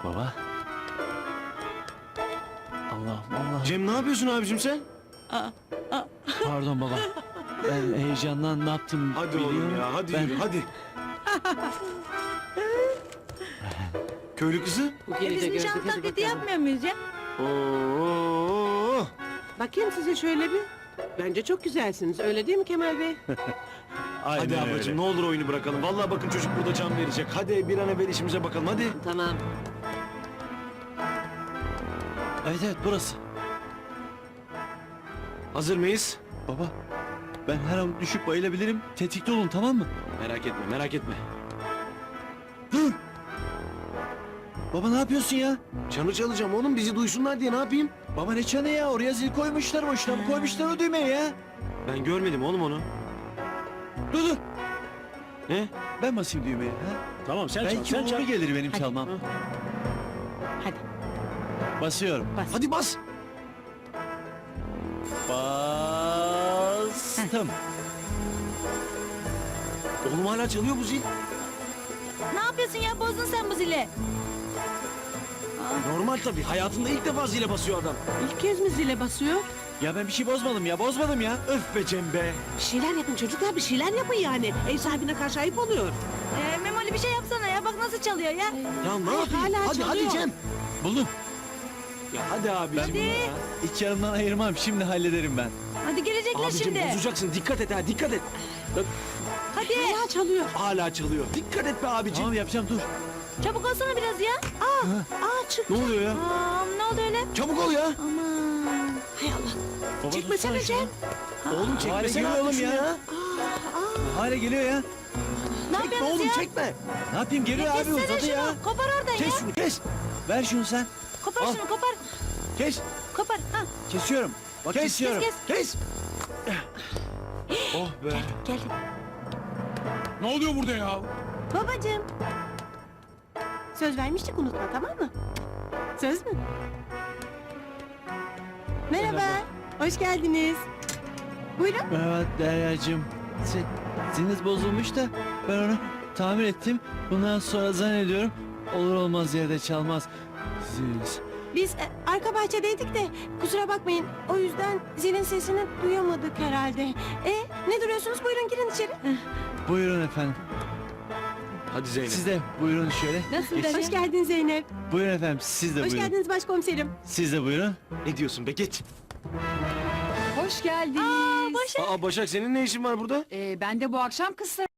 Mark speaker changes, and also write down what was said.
Speaker 1: Baba. Allah'ım Allah.
Speaker 2: Cem ne yapıyorsun abicim sen?
Speaker 1: Pardon baba. Ben heyecandan ne yaptım
Speaker 2: Hadi
Speaker 1: biliyorum.
Speaker 2: oğlum ya hadi
Speaker 1: Ben-
Speaker 2: yürü hadi. Köylü kızı.
Speaker 3: Biz nişan taklidi yapmıyor muyuz ya?
Speaker 2: Oo.
Speaker 4: Bakayım size şöyle bir. Bence çok güzelsiniz. Öyle değil mi Kemal Bey?
Speaker 1: Aynen
Speaker 2: Hadi
Speaker 1: öyle.
Speaker 2: ablacığım ne olur oyunu bırakalım. Vallahi bakın çocuk burada can verecek. Hadi bir an evvel işimize bakalım hadi.
Speaker 4: Tamam.
Speaker 1: Evet evet burası.
Speaker 2: Hazır mıyız?
Speaker 1: Baba. Ben her an düşüp bayılabilirim. Tetikte olun tamam mı?
Speaker 2: Merak etme merak etme.
Speaker 1: Dur. Baba ne yapıyorsun ya?
Speaker 2: Çanı çalacağım oğlum bizi duysunlar diye ne yapayım?
Speaker 1: Baba ne çanı ya? Oraya zil koymuşlar boşuna mı koymuşlar o düğmeyi ya?
Speaker 2: Ben görmedim oğlum onu.
Speaker 1: Dur.
Speaker 2: Ne?
Speaker 1: Ben basayım düğmeye. Ha?
Speaker 5: Tamam sen çal,
Speaker 1: Belki
Speaker 5: sen çal.
Speaker 1: uğurlu gelir benim çalmam.
Speaker 4: Hadi
Speaker 1: Basıyorum.
Speaker 2: Hadi bas.
Speaker 1: Bastım.
Speaker 2: Oğlum hala çalıyor bu zil.
Speaker 3: Ne yapıyorsun ya? Bozdun sen bu zili.
Speaker 2: Normal tabii. Hayatında ilk defa zile basıyor adam.
Speaker 4: ilk kez mi zile basıyor?
Speaker 1: Ya ben bir şey bozmadım ya bozmadım ya.
Speaker 2: Öf be Cem be.
Speaker 4: Bir şeyler yapın çocuklar, bir şeyler yapın yani. Ev sahibine karşı ayıp oluyor.
Speaker 3: Memoli bir şey yapsana ya. Bak nasıl çalıyor ya.
Speaker 2: Ya ne
Speaker 4: Ay,
Speaker 2: yapayım?
Speaker 4: hala
Speaker 2: Hadi
Speaker 4: çalıyor.
Speaker 2: hadi Cem.
Speaker 1: Buldum.
Speaker 2: Ya hadi abicim
Speaker 3: Hadi.
Speaker 2: ya.
Speaker 1: İki yanımdan ayırmam şimdi hallederim ben.
Speaker 3: Hadi gelecekler
Speaker 2: Abicim
Speaker 3: şimdi.
Speaker 2: bozacaksın. Dikkat et ha dikkat et. Bak,
Speaker 3: Hadi.
Speaker 4: Hala çalıyor.
Speaker 2: hala çalıyor. Dikkat et be abicim.
Speaker 1: Tamam yapacağım dur.
Speaker 3: Çabuk olsana biraz ya.
Speaker 4: Aa çık.
Speaker 2: Ne oluyor ya?
Speaker 3: Ne oldu öyle?
Speaker 2: Çabuk ol ya.
Speaker 3: Aman.
Speaker 4: Hay Allah.
Speaker 1: Baba,
Speaker 4: Çekmesene
Speaker 1: tutsana şunu.
Speaker 4: Cem.
Speaker 2: Oğlum
Speaker 1: Hala
Speaker 2: çekmesene
Speaker 1: geliyor
Speaker 2: artık
Speaker 1: oğlum
Speaker 2: şunu
Speaker 1: ya.
Speaker 2: ya.
Speaker 1: Hala geliyor ya.
Speaker 3: Ne
Speaker 2: Çekme
Speaker 3: yapıyorsunuz
Speaker 2: oğlum
Speaker 3: ya?
Speaker 2: çekme.
Speaker 1: Ne yapayım geliyor abi
Speaker 3: Kessene
Speaker 1: uzadı
Speaker 3: şunu.
Speaker 1: ya.
Speaker 3: Kopar oradan ya.
Speaker 2: Kes şunu kes.
Speaker 1: Ver şunu sen.
Speaker 3: Kopar
Speaker 1: Al.
Speaker 3: şunu kopar.
Speaker 1: Kes.
Speaker 3: Kopar. Ha.
Speaker 1: Kesiyorum. Bak
Speaker 2: Kes,
Speaker 1: kesiyorum.
Speaker 3: Kes.
Speaker 2: Kes. Oh be.
Speaker 3: Gel.
Speaker 5: Ne oluyor burada ya?
Speaker 4: Babacığım. Söz vermiştik, unutma, tamam mı? Söz mü? Merhaba. Hoş geldiniz. Buyurun.
Speaker 1: Merhaba Derya'cığım. Ziliniz bozulmuş da ben onu tamir ettim. Bundan sonra zannediyorum olur olmaz yerde çalmaz. Zil.
Speaker 4: Biz arka bahçedeydik de kusura bakmayın. O yüzden zilin sesini duyamadık herhalde. Ne duruyorsunuz? Buyurun girin içeri.
Speaker 1: Buyurun efendim.
Speaker 2: Hadi Zeynep.
Speaker 1: Siz de buyurun şöyle.
Speaker 3: Nasıl
Speaker 1: Geç.
Speaker 3: Derya?
Speaker 4: Hoş geldin Zeynep.
Speaker 1: Buyurun efendim siz de
Speaker 4: Hoş
Speaker 1: buyurun.
Speaker 4: geldiniz başkomiserim.
Speaker 1: Siz de buyurun.
Speaker 2: Ne diyorsun be geç.
Speaker 6: Hoş geldiniz.
Speaker 2: Aa Başak senin ne işin var burada?
Speaker 6: Ben de bu akşam kız